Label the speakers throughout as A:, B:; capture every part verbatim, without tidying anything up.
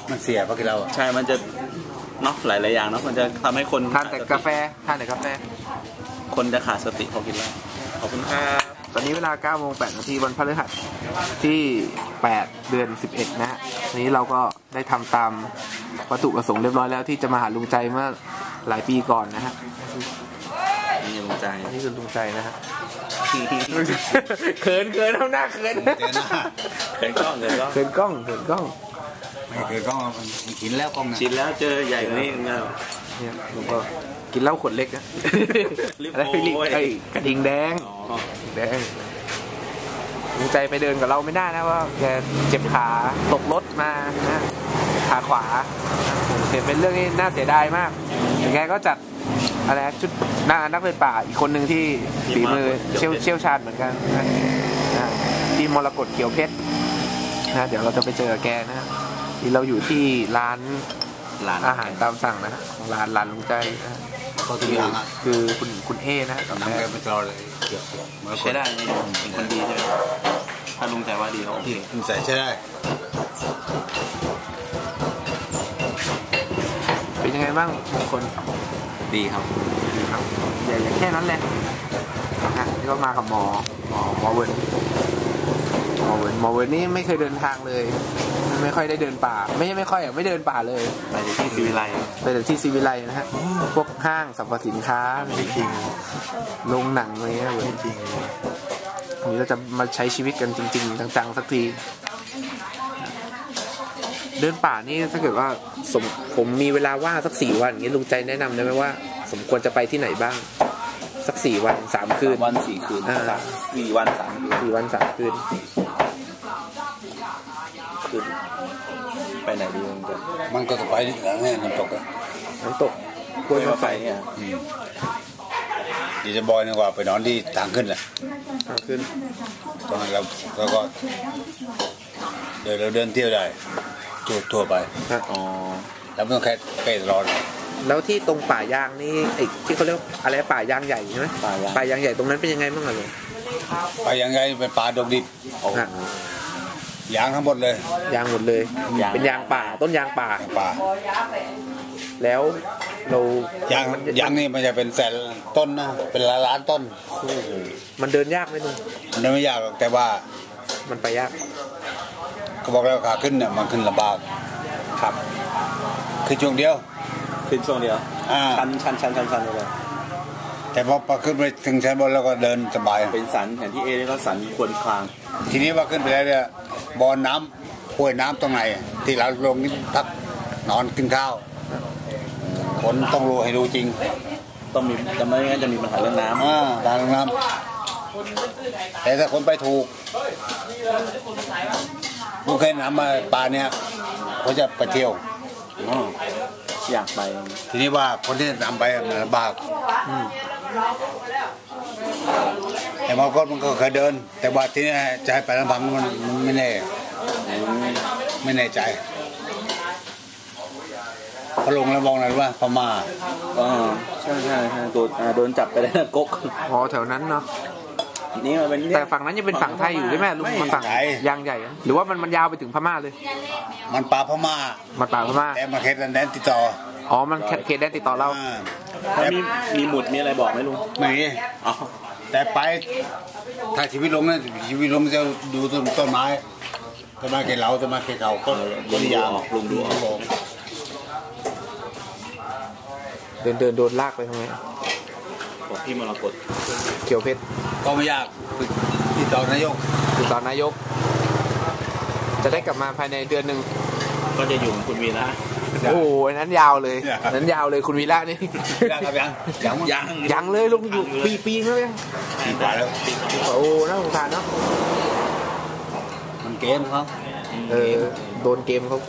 A: มันเสียเพราะกินเรา
B: ใช่มันจะเนาะหลายๆอย่างเนาะมันจะทำให้คน
C: ทานแต่กาแฟทานแต่กาแฟ
B: คนจะขาดสติพอกินแล้วขอบคุณครับ
C: ตอนนี้เวลาเก้าโมงแปดนาทีวันพฤหัสที่แปดเดือนสิบเอ็ดนะฮะนี้เราก็ได้ทำตามวัตถุประสงค์เรียบร้อยแล้วที่จะมาหาลุงใจเมื่อหลายปีก่อนนะฮะ
B: นี่ลุงใจ
C: นี่คือลุงใจนะฮะเขินเขินทำหน้าเขิน
B: เขินกล้องเขินกล้อง
C: เขินกล้องเขินกล้อง
A: ไม่เขินกล้องชินแล้วกล้อง
B: ชินแล้วเจอใหญ่กว่านี้
C: เนี่ยเนี่ยลุงก็กินเหล้าขวดเล็กนะอะไรไอ้กระดิ่งแดงแดงลุงใจไปเดินกับเราไม่ได้นะว่าแกเจ็บขาตกรถมานะขาขวาเห็นเป็นเรื่องที่น่าเสียดายมากแต่แกก็จัดอะไรชุดนักนักเดินป่าอีกคนหนึ่งที่ฝีมือเชี่ยวเชี่ยวชาญเหมือนกันนะที่มรกตเขียวเพชรนะเดี๋ยวเราจะไปเจอแกนะที่เราอยู่ที่ร้านร้านอาหารตามสั่งนะของร้านร้านลุงใจนะ
A: ก็คือ
C: คือคุณคุณเอนะกับ
A: น้ำแกไม่ตลอดเลย
B: ใช้ได้เป็นคนดีใช่ไหมถ้าลุงใจว่าดีเขาโอเค
A: ลุงใจใช้ได้
C: เป็นยังไงบ้างบางคน
B: ดีครับ
C: ดีครับอย่าอย่างแค่นั้นแหละนะนี่ก็มากับหมอหมอหมอเวิร์นหมอเวิร์นหมอเวิร์นนี่ไม่เคยเดินทางเลยไม่ค่อยได้เดินป่าไม่ใช่ไม่ค่อยอ่ะไม่เดินป่าเลย
B: ไปที่ซีวิไล
C: ไปแต่ที่ซีวิไลนะฮะพวกห้างสรรพสินค้า
A: จริง
C: โรงหนังอะไรเงี้ยจริงวันนี้เราจะมาใช้ชีวิตกันจริงๆจังๆสักทีเดินป่านี่ถ้าเกิดว่าสมผมมีเวลาว่างสักสี่วันอย่างนี้ลุงใจแนะนำได้ไหมว่าสมควรจะไปที่ไหนบ้างสักสี่วันสามคืน
B: วันสี่คืนสี่วันสามคืน
C: สี่วันสามคืน
B: คืนไปไหนดีลุงใจ
A: มันก็จะไปนี่น้ำตกอะ
C: น้ำตกกล้วยมาไฟ
B: เนี่ย
A: เดี๋ยวจะบอยดีกว่าไปนอนที่ทางขึ้นแหละ
C: ทางขึ้น
A: ตรงนั้นเราเราก็เดินเราเดินเที่ยวได้ทั่วทั่วไป
C: อ๋อ
A: แล้วไม่ต้องแค่เป๊ะร้อน
C: แล้วที่ตรงป่ายางนี่ไอ้ที่เขาเรียกอะไรป่ายางใหญ่ใช่ไหมป่ายางใหญ่ตรงนั้นเป็นยังไงบ้างอ่ะลุง
A: ป่ายางใหญ่เป็นป่าดงดิบยางทั้งหมดเลย
C: ยางหมดเลยเป็นยางป่าต้นยางป่า
A: ป่า
C: แล้วเรา
A: ยางยางนี่มันจะเป็นแสนต้นนะเป็นล้านล้านต้น
C: มันเดินยากไหมลุง
A: มันเดินไม่ยากแต่ว่า
C: มันไปยาก
A: เขาบอกแล้วขาขึ้นเนี่ยมันขึ้นลำบาก
B: ครับ
A: คือช่วงเดียว
B: ขึ้นช่วงเดียวชันชันชันชันชันเลย
A: แต่พอพอขึ้นไปถึงชั้นบนแล้วก็เดินสบาย
B: เป็นสันแผนที่เอนี่ก็สันควรคลาง
A: ทีนี้ว่าขึ้นไปแล้วเนี่ยบ่อน้ำห้วยน้ำตรงไหนที่เราลงนี่พักนอนกินข้าวคนต้องรู้ให้รู้จริง
B: ต้องมีจะไม่งั้นจะมีปัญหาเรื่องน้ำ
A: อ่าการเรื่องน้ำแต่ถ้าคนไปถูกผู้เคยน้ำมาปลาเนี่ยเขาจะไปเที่ยว
B: อยากไป
A: ทีนี้ว่าคนที่นำไปมันลำบากแต่บางคนมันก็เคยเดินแต่ว่าที่นี่จะให้ไปลำพังมันไม่แน่ไม่แน่ใจพอลงแล้วมองอะไรว่าพม่า
B: อ๋อใช่ใช่ใช่โดนโดนจับไปแล้วกก
C: อ๋อแถวนั้นเนาะ
B: นี่มันเป็น
C: แต่ฝั่งนั้นยังเป็นฝั่งไทยอยู่ใช่ไหมลุงมันฝั่งยางใหญ่หรือว่ามันมันยาวไปถึงพม่าเลย
A: มันป่าพม่า
C: มันป่าพม่า
A: แต่มาเขตแดนติดต่อ
C: อ๋อมันเขตแดนติดต่อเรา
B: แล้วมีมีหมุดมีอะไรบอกไหมลุง
A: ไม่มีแต่ไปถ้าชีวิตลงนะชีวิตลงจะดูต้นต้นไม้ต้นไม้เขตเราต้นไม้เขตเขาก็
B: ต้นยางลุงดูออก
C: เดินเดินโดนลากไปทำไม
B: บอกพี่มรกต
C: เขียวเพชร
A: ก็ไม่ยากติดต่อนายก
C: ติดต่อนายกจะได้กลับมาภายในเดือนหนึ่ง
B: ก็จะอยู่คุณวีระ
C: โอ้โหนั้นยาวเลยนั้นยาวเลยคุณวีระนี่
A: ยังยัง
C: ยังยังยังเลยลุงอยู่ปีปีแล้วยัง
A: ปีกว่าแล้ว
C: โอ้น่าสงสารเนาะ
A: มันเกมเขา
C: เออโดนเกมเขา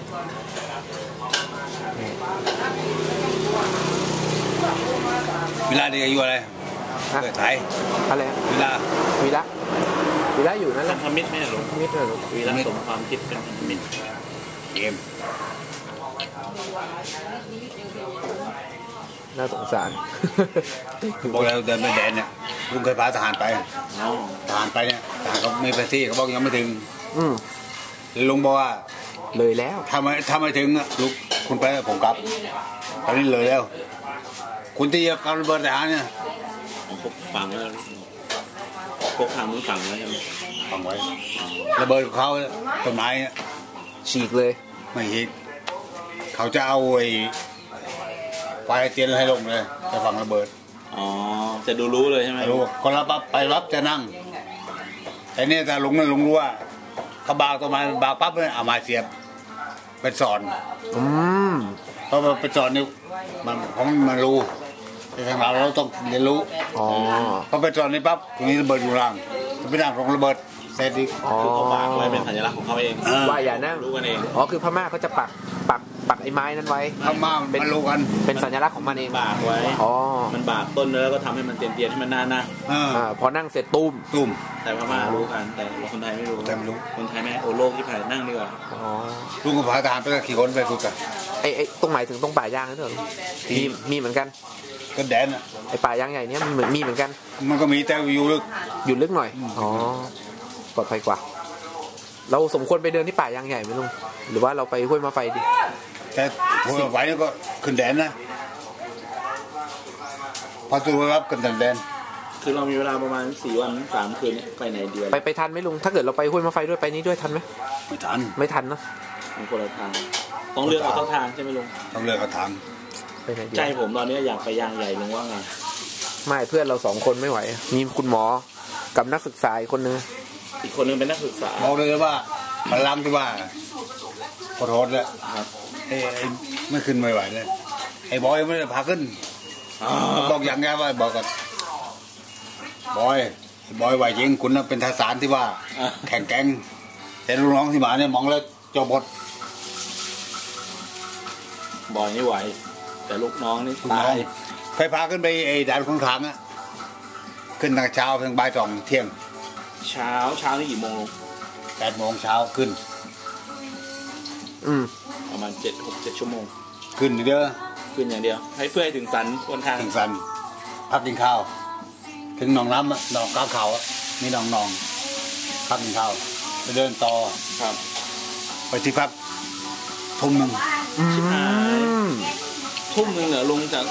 A: เวลาเด็กอายุอะไรเกิดไทย
C: อะไร
A: เวลา
C: วีระวีระอยู่นั่นแหละ
B: ทำมิตรไม่หรอ
C: มิตรหรอ
B: วีระสมความคิดเป็นมิตร
A: เกม
C: น่าสงสาร
A: บอกแล้วเดินไปแดนเนี่ยลุงเคยพาทหารไปทหารไปเนี่ยทหารเขาไม่ไปที่เขาบอกยังไม่ถึงลุงบอกว่า
C: เลยแล้ว
A: ถ้าไม่ถ้าไม่ถึงอะลูกคุณไปผมกลับ ตอนนี้เลยแล้ว คุณที่จะกำระเบิดทหารเนี่ย
B: ผมพกฝังไว้แล้วพกทางนู้นฝังไว้ใช่ไหม
A: ฟังไว้ระเบิดของเขาต้นไม้เนี่ย
C: ฉีกเลย
A: ไม่ฮิตเขาจะเอาไอ้ไฟเตียนให้ลงเลยจะฟังระเบิด
B: อ๋อจะดูรู้เลยใช่ไหม
A: รู้คนรับปั๊บไปรับจะนั่งแต่เนี่ยถ้าลุงนั่นลุงรู้ว่าเขาบากต้นไม้บากปั๊บเนี่ยเอาไม้เสียบเป็นสอน
C: อืม
A: เพราะมันเป็นสอนนี่มันเพราะมันรู้แต่ทางเราเราต้องเรียนรู้
C: อ๋อ
A: พอเป็นสอนนี่ปั๊บตรงนี้ระเบิดอยู่ล่างจะไปนั่งตรงระเบิดเสร็จอีก
C: อ๋อ
B: คือเขาบากไว้เป็นสัญลักษณ์ของเขาเอง
A: เออ
C: ว่าอย่านั่ง
B: รู้กันเอง
C: อ๋อคือพม่าเขาจะปักปักปักไอ้ไม้นั้นไว้
A: ทำมามันรู้กัน
C: เป็นสัญลักษณ์ของมันเอง
B: บากไว้
C: อ๋อ
B: มันบากต้นแล้วก็ทำให้มันเตียนๆให้มันหน้าหน้า
A: เออ
C: อ่าพอนั่งเสร็จตุ้ม
A: ตุ่ม
B: แต่พม่ารู้กันแต่คนไทยไม่รู้
A: แต่ไม่รู้
B: คนไทยไม่โอโลกที่ผ่านนั่งดีกว่า
C: อ๋อ
A: ลุงกับพาทหารไปก็ขี่คนไปฝึกกัน
C: ไอ้ไอ้ตรงไหนถึงตรงป่าย่างนั่นเถอะมีมีเหมือนกัน
A: ก็แดนอ่ะ
C: ไอ้ป่าย่างใหญ่เนี้ยมีเหมือนมีเหมือนกัน
A: มันก็มีแต่อยู่ลึก
C: อยู่ลึกหน่อยอ๋อปลอดภัยกว่า เราสมควรไปเดินที่ป่ายางใหญ่ไหมลุงหรือว่าเราไปห้วยมาไฟดี
A: แต่หัวไหวนี่ก็ขึ้นแดนนะพอตัวรับขึ้นแดน
B: คือเรามีเวลาประมาณสี่วันสามคืนเนี่ยไปไหนเดือน
C: ไปไปทันไหมลุงถ้าเกิดเราไปห้วยมาไฟด้วยไปนี้ด้วยทันไหม
A: ไม่ทัน
C: ไม่ทันเนอะ
B: มันคนละทางต้องเลือกเอาต้นทางใช่ไหมลุง
A: ต้องเลือกกระถาง
C: ไปไหนดี
B: ใจผมตอนนี้อยากไปยางใหญ่ลุงว่าไง
C: ไม่เพื่อนเราสองคนไม่ไหว มีคุณหมอกับนักศึกษาอีกคนนึง
B: อีกคนนึงเป็นนักศึกษา
A: บอกเลยว่าพลังที่ว่าขอโทษแล้ว
B: ครับ
A: ไอ้ไอ้ไม่ขึ้นไม่ไหวเลยไอ้บอยไม่ได้พาขึ้นบอกอย่างไงว่าบอกกันบอยไอ้บอยไหวจริงคุณน่ะเป็นทหารที่ว่า แข่งแกร่งแต่ลูกน้องที่มาเนี่ยมองแล้วจบหมด
B: บอยนี่ไหวแต่ลูกน้องนี่
A: ลูกน้
B: ตา
A: อง
B: ย
A: เคยพาขึ้นไปไอ้ด่านของทางอะขึ้นตั้งเช้าเพียงบ่ายสองเที่ยง
B: เช้าเช้านี่กี่โมงลุง
A: แปดโมงเช้าขึ้น
C: อืม
B: ประมาณเจ็ดหกเจ็ดชั่วโมง
A: ขึ้นเด้อ
B: ขึ้นอย่างเดียว ให้เพื่อให้ถึงสันบนทาง
A: ถึงสันพักกินข้าว ถึงหนองน้ำอะหนองก้าวเขาอะมีหนองหนองพักกินข้าวไปเดินต่อ
B: ครับ
A: ไปที่พักทุ่มหนึ่ง
C: อืม
B: ทุ่มหนึ่งเหรอลุงจาก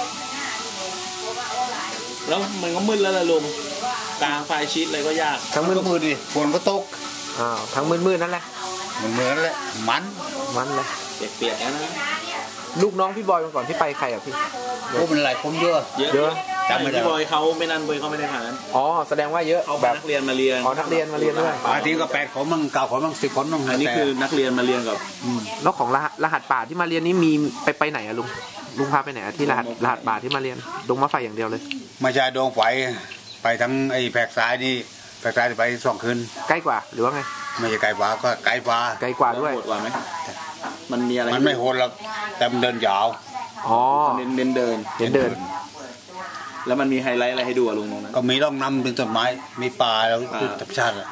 B: แล้วมันก็มืดแล้วล่ะลุงกลางไฟชิดเลยก็ยาก
C: ทั้งมื
A: มัน
C: ด
A: ก็มืดดิฝนก็ตก
C: อ้าวทั้งมืดมืดนั่นแหละ
A: เหมือนเหมือนแหละมัน
C: มันเลย
B: เปียกๆนะ
C: ลูกน้องพี่บอยมาก่อนที่ไปใครอ่ะพี่
A: โอ้มันหลายคนเยอะ
B: เยอะ
C: เยอะ
A: จำไม่ได้
B: พี่บอยเขาไม่นั่นบอยเขาไม่ได้ผ่าน
C: อ๋อแสดงว่าเยอะ
B: เขา
C: แบ
B: เป็น
C: บ
B: นักเรียนมาเรียน
C: อ๋อนักเรียนมาเรียนด้วย
A: บางทีก็แปดคนมั่งเก้าคนมั่งสิบคนมั่ง
B: อันนี้คือนักเรียนมาเรียนกับ
C: แล้วของรหัสรหัสป่าที่มาเรียนนี่มีไปไปไหนอะลุงลุงพาไปไหนอะที่รหัสรหัสป่าที่มาเรียนดงมะไฟอย่างเดียวเลย
A: ไม่ใช่ดวงไฟไปทั้งไอ้แผกซ้ายนี่แผกซ้ายไปสองคืน
C: ใกล้กว่าหรือว่าไง
A: ไม่ใช่ไกลฟ้าก็ไกลฟ้า
C: ไกลกว่าด้วย
B: โหดกว่าไหมมันมีอะไร
A: มันไม่โหดหรอกแต่มันเดินยาว
C: อ๋อ
B: เน้นเน้นเดิน
C: เห็นเดิน
B: แล้วมันมีไฮไลท์อะไรให้ดูอะลุงตรงนั้น
A: ก็มีร่องน้ำเป็นต้นไม้ มีป่าแล้วคือธรรมชาติอะ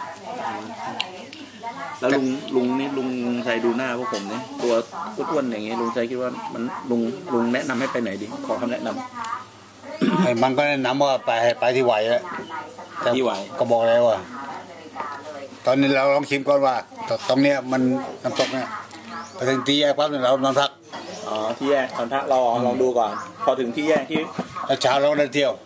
B: แล้วลุงลุงนี่ลุงชัยดูหน้าพวกผมเนี่ยตัวอ้วนๆอย่างเงี้ยลุงชัยคิดว่ามันลุงลุงแนะนำให้ไปไหนดีขอคำแนะนำ
A: ไอ้มันก็แนะนำว่าไปไปที่ไหวแล้วแต่
B: ที่ไหว
A: ก็บอกแล้วว่า ตอนนี้เราลองชิมก่อนว่าตตรงเนี้ยมันน้ำตกเนี่ยไปถึงที่แยกปั๊บเนี่ยเรานอนพัก
B: อ๋อที่แยกตอนพักเราลองดูก่อน พอถึงที่แยกที่
A: แล้วเช้าเราก็เดินเที่ยว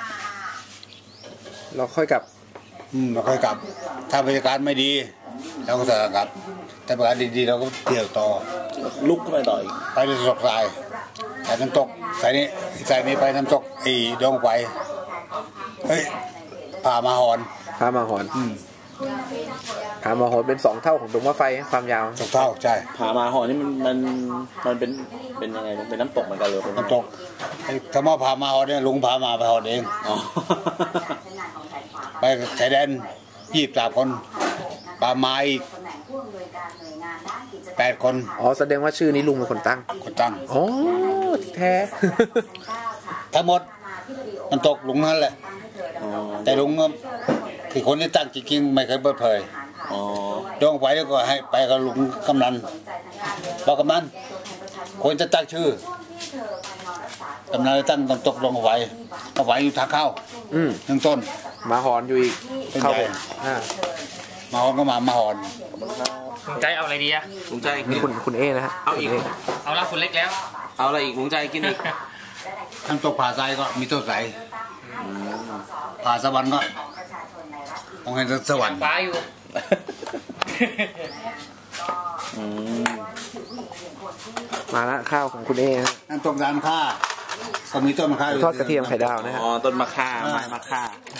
C: เราค่อยกลับ
A: อืมเราค่อยกลับ ถ้าบรรยากาศไม่ดีเราก็จะกลับ แต่บรรยากาศดีๆเราก็เที่ยวต่อ
B: ลุกขึ้นไปต่ออีก
A: ไปน้ำตกทรายไปน้ำตกสายนี้สายนี้ไปน้ำตกไอ้ดงไฟเฮ้ยพามาหอน
C: พามาหอน
A: อืม
C: พามาหอนเป็นสองเท่าของดงมะไฟความยาว
A: ตกเท่าใช่
B: ผามาหอนี่มันมันมันเป็นเป็นยังไงลุงเป็นน้ำตกเหมือนกันเลยเป็น
A: น้ำตกไอ้ถ้ามาพามาหอนเนี่ยลุงพามาไปหอนเอง
B: อ๋อ
A: ไปชายแดนยี่สิบสามคนปลาไม้อีกแปดคน
C: อ๋อแสดงว่าชื่อนี้ลุงเป็นคนตั้ง
A: คนตั้ง
C: อ๋อที่แท้
A: ทั้งหมดมันตกลุงนั่นแหละ
B: อ๋อ
A: แต่ลุงก็คือคนที่ตั้งจริงๆไม่เคยเปิดเผย
B: อ๋อ
A: ดวงไฟแล้วก็ให้ไปกับลุงกำนันบอกกำนันควรจะตั้งชื่อกำนันเลยตั้งต้นตกดวงไฟดวงไฟอยู่ทางเข้า
C: อืม
A: หนึ่งต้น
C: มาหอนอยู่อีก
A: เป็น
C: เข้า
A: ใหญ่
C: ผมอ่า
A: มาหอนก็มามาหอน
C: ค
D: ลุงใจเอาอะไรดีอะ
E: ลุงใจกิ
C: นี่
E: น
C: คุณคุณเอนะฮะ
E: เอาอีก
C: คุณ
D: เอาละคุณเล็กแล้ว
E: เอาอะไรอีกลุงใจกินอีก
A: ทั้งตกผ่าทรายก็มีต้นใสผ่าสวรรค์ก็มองเห็นสวรรค์
D: ฟ้าอยู่
B: อืม
C: มาละข้าวของคุณเอนะ
A: นั่นตกดานค่าก็มีต้นมะข่าอยู่
C: ทอดกระเทียมไข่ดาวนะฮะ
B: อ๋อต้นมะข่าไม้มะข่า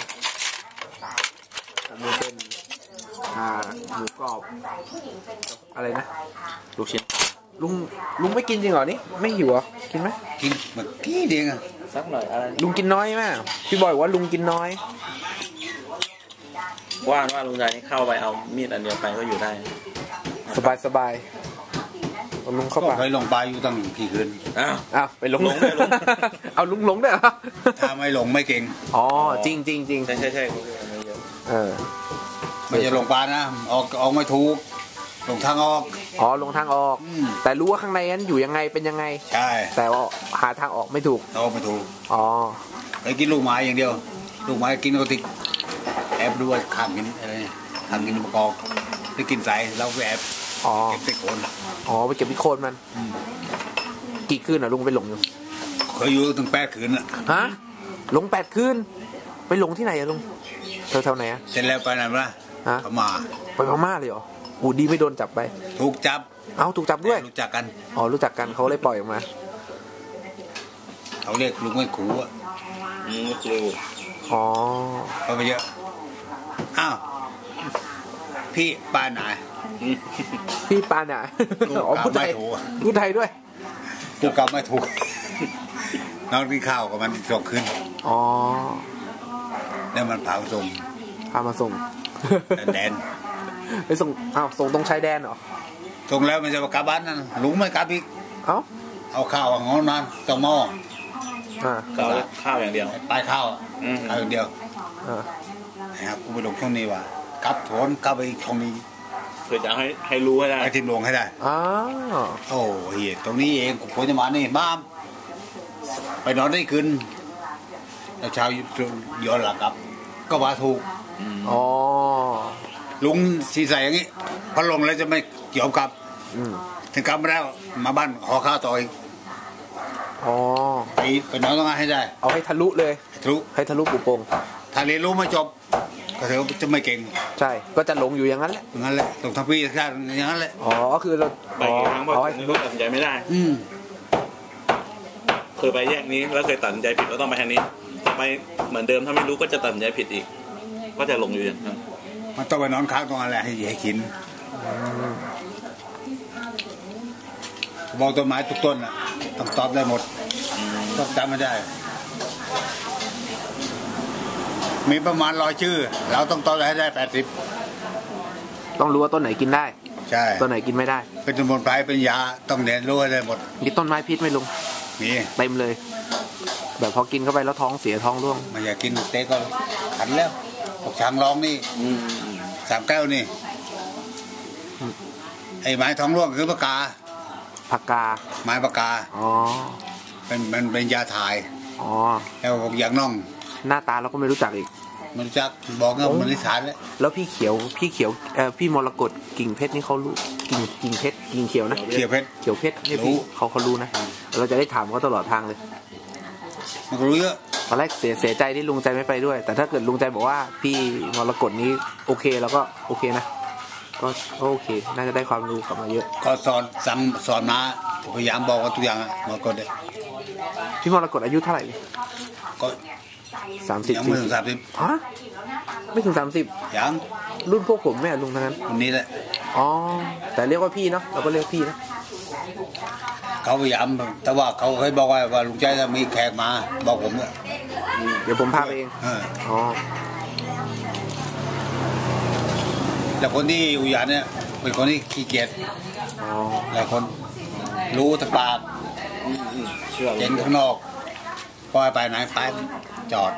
C: อันนี้เป็นอ่าหมูกรอบอะไรนะ
B: ลูกชิ้น
C: ลุงลุงไม่กินจริงเหรอนี่ไม่หิวเหรอกินไหม
A: กินเมื่อกี้เดียวอะ
B: สักหน่อยอะไร
C: ลุงกินน้อยไหมพี่บอยบอกว่าลุงกินน้อย
B: ว่าว่าลุงใจนี่เข้าไปเอามีดอันเดียวไปก็อยู่ได้
C: สบายสบายเอาลุงเข้า
A: ก็
C: ปาก
A: เคยลงไปอยู่ตั้งกี่คืน
B: อ้าว
C: อ้าวไปหลง
B: หลงด้วยหลง
C: เอาลุงหลงด้วยเหรอ
A: ถ้าไม่ลงไม่เก่ง
C: อ๋อจริงจริงจริง
B: ใช่ใช่ใช่
C: เออ
A: ไม่จะลงปลานะออกออกไม่ถูกลงทางออก
C: อ๋อลงทางออก
A: อืม
C: แต่รู้ว่าข้างในนั้นอยู่ยังไงเป็นยังไง
A: ใช่
C: แต่ว่าหาทางออกไม่ถูก
A: ออกไม่ถูก
C: อ๋อ
A: ไปกินลูกไม้อย่างเดียว ลูกไม้กินก็ติดแอบดูว่าข้ามกินอะไรข้ามกินมะกอกไปกินใสเราไปแอบ
C: อ๋อ
A: เก็บไปโคน
C: อ๋อไปเก็บพิโคนมัน
A: อืม
C: กี่คืนอ่ะลุงไปหลงอยู่
A: เคยอยู่ถึงแปดคืนอ่ะ
C: ฮะหลงแปดคืนไปหลงที่ไหนอะลุงแถวๆไหนอะ
A: เสร็จแล้วไปไหนมา
C: ฮะ
A: พม่า
C: ไปพม่าเลยเหรออูดีไม่โดนจับไป
A: ถูกจับ
C: เอ้าถูกจับด้วย
A: รู้จักกัน
C: อ๋อรู้จักกันเขาเลยปล่อยออกมา
A: เขาเรียกลุงไม่ขู่อ่ะ
B: อืมครู
C: อ๋อ
A: เขาไปเยอะอ้าวพี่ป้าไหน
C: พี่ปานอ่ะ
A: ลูก
C: อ๋อพูดไทย
A: ไม่ถูก
C: พูดไทยด้วย
A: กูกลับไม่ถูกนอนกินข้าวกับมันสองคืน
C: อ๋อ
A: แล้วมันเผาส่ง
C: พามาส่ง
A: แดน
C: ไปส่งอ้าวส่งตรงชายแดนเหรอ
A: ส่งแล้วมันจะมากลับบ้านนั่นลุงไม่กลับอีก
C: เอ้า
A: เอาข้าวของนั้นต้องหม้อ
C: อ่า
B: ข้าวข้าวอย่างเดียว
A: ปลายข้าวอะ
B: อืม
A: เอาอย่างเดียว
C: อ่า
A: นะครับกูไปลงช่วงนี้ว่ะกลับโถนกลับไปอีกช่องนี้
B: เพื่อจะให้ให้รู้ให้ได้
A: ไปทิมลงให้ได้
C: อ้าว
A: โอ้เฮียตรงนี้เองผมควรจะมานี่บ้ามไปนอนได้คืนแล้วเช้าย้อนหลังกลับ ก็มาถูก
C: อ๋อ
A: ลุงสีใสอย่างนี้พอลงแล้วจะไม่ยอมกลับ
C: อืม
A: ถึงกลับมาแล้วมาบ้านขอข้าวต่ออีก
C: อ๋อ
A: ไปไปนอนต้องงานให้ได้
C: เอาให้ทะลุเลย
A: ทะลุ
C: ให้ทะลุปุโปง
A: ถ้าเรียนรู้ไม่จบ ก็ถือว่าจะไม่เก่ง
C: ใช่ก็จะหลงอยู่อย่างนั้นแหละ
A: อย่างนั้นแหละตรงทัพพี่ชาติอย่างนั้นแหละ
C: อ๋อก็คือเรา
B: ไปกี่ครั้งเพราะ
C: อ๋อ
B: ไม่รู้ตัดสินใจไม่ได้
A: อืม
B: เคยไปแยกนี้แล้วเคยตัดสินใจผิดก็ต้องไปทางนี้ไปเหมือนเดิมถ้าไม่รู้ก็จะตัดสินใจผิดอีก ก็จะหลงอยู่อย่างนั้น
A: มันต้องไปนอนค้างตรงนั้นแหละให้ให้กินบอกต้นไม้ทุกต้นอ่ะต้องตอบได้หมดต้องจำไม่ได้ มีประมาณร้อยชื่อ เราต้องตอบได้ให้ได้แปดสิบ
C: ต้องรู้ว่าต้นไหนกินได้
A: ใช่
C: ต้นไหนกินไม่ได้
A: เป็นสมุนไพรเป็นยาต้องเรียนรู้ให้ได้หมด
C: มีต้นไม้พิษไหมลุง
A: มี
C: เต็มเลย แบบพอกินเข้าไปแล้วท้องเสียท้องร่วง
A: ไมันอยากกินเต๊กก็ขันแล้วพวกช้างร้องนี่
B: อืม
A: สามแก้วนี่ไอ้ไม้ท้องร่วงคือปากกา
C: ผักกา
A: ไม้ปากกา
C: อ๋อ
A: เป็นมันเป็นยาถ่าย
C: อ๋อ
A: แล้วพวกยางน่อง
C: หน้าตาเราก็ไม่รู้จักอีก
A: มันจะบอกว่ามันนิสานแล้ว
C: แล้วพี่เขียวพี่เขียวเอ่อพี่มรกตกิ่งเพชรนี่เขารู้กิ่งกิ่งเพชรกิ่งเขียวนะ
A: เขียวเพชร
C: เขียวเพชรนี่
A: รู้
C: พี่เขาเขารู้นะเราจะได้ถามเขาตลอดทางเลย
A: มันก็รู้เยอะ
C: ตอนแรกเสียเสียใจที่ลุงใจไม่ไปด้วย แต่ถ้าเกิดลุงใจบอกว่าพี่มรกตนี้โอเคแล้วก็โอเคนะก็ก็โอเค น่าจะได้ความรู้กลับมาเยอะ
A: ก็สอนสั่งสอนมาพยายามบอกว่าทุกอย่างอะมันก็ได้
C: พี่มรกตอายุเท่าไหร่
A: ก็
C: สามสิบ
A: ยังไม่ถึงสามสิบ
C: ฮะไม่ถึงสามสิบ
A: ยัง
C: รุ่นพวกผมแม่ลุงทั้งนั้น
A: คนนี้แหละ
C: อ๋อแต่เรียกว่าพี่เนาะเราก็เรียกพี่นะ
A: เขาพยายามแต่ว่าเขาเคยบอกว่าว่าลุงใจจะมีแขกมาบอกผมเนี่ย
C: เดี๋ยวผมพาไปเอง
A: เออ
C: อ๋อ
A: แต่คนที่อยู่ยานเนี่ยเป็นคนที่ขี้เกียจ
C: อ๋อ
A: หลายคนรู้แต่ปาก
B: อืมอืมเชื่อ
A: เห็นข้างนอกพอไปไหนไปจอด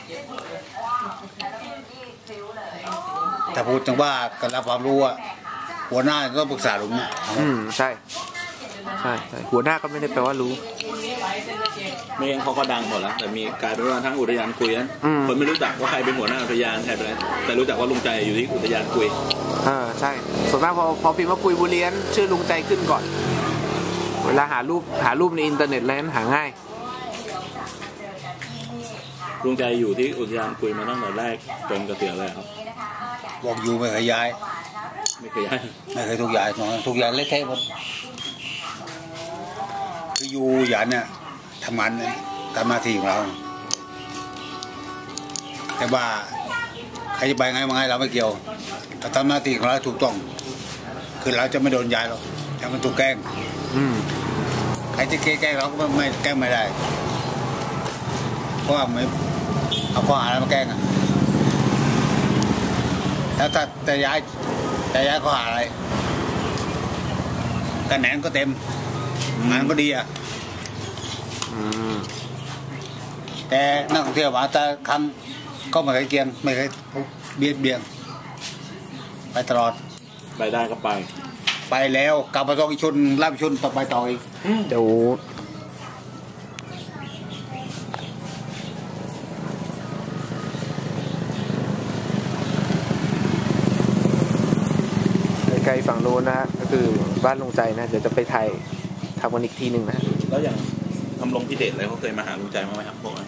A: ถ้าพูดจังว่าการรับความรู้อะหัวหน้าต้องปรึกษาลุงเนี่ย
C: อืมใช่ใช่ใช่หัวหน้าก็ไม่ได้แปลว่ารู้
B: ไม่งั้นเขาก็ดังหมดแล้ว แต่มีกลายเป็นว่าทั้งอุทยานคุยนะ
C: อืม
B: คนไม่รู้จักว่าใครเป็นหัวหน้าอุทยานใครเป็นอะไรแต่รู้จักว่าลุงใจอยู่ที่อุทยานคุย
C: เออใช่ส่วนมากพอพอพิมพ์ว่ากุยบุเรียนชื่อลุงใจขึ้นก่อนเวลาหารูปหารูปในอินเทอร์เน็ตอะไรนั้นหาง่าย
B: ลุงใจอยู่ที่อุทยานคุยมาตั้งแต่แรกจนเกษียณเลยครับ
A: บอกอยู่ไม่เคยย้าย
B: ไม่เคยย้าย
A: ไม่เคยทุกอย่างทุกอย่างเล็กแค่หมดคืออยู่หยันเนี่ยทำงานทำหน้าที่ของเราแต่ว่าใครจะไปไงมาไงเราไม่เกี่ยวเราทำหน้าที่ของเราถูกต้องคือเราจะไม่โดนย้ายหรอกถ้ามันถูกแกล้งใครจะแกล้งเราก็ไม่แกล้งไม่ได้เพราะว่าไม่เอาข้อหาอะไรมาแกล้งอ่ะแล้วถ้าจะย้ายจะย้ายข้อหาอะไรคะแนนก็เต็มงานก็ดีอ่ะแต่นักท่องเที่ยวมาแต่ครั้งก็ไม่เคยเกี่ยงไม่เคยเบียดเบียนไปตลอด
B: ไปได้ก็ไป
A: ไปแล้วกลับมาต้องอีกชุนรับชุนต่อไปต่ออีก
C: เดี๋ยวไกลฝั่งโน้นนะฮะก็คือบ้านลุงใจนะเดี๋ยวจะไปไทยทำกันอีกทีหนึ่งนะ
B: แล้วอย่างทำลงพิเดชอะไรเขาเคยมาหาลุงใจมั้ยครับพวกนั้น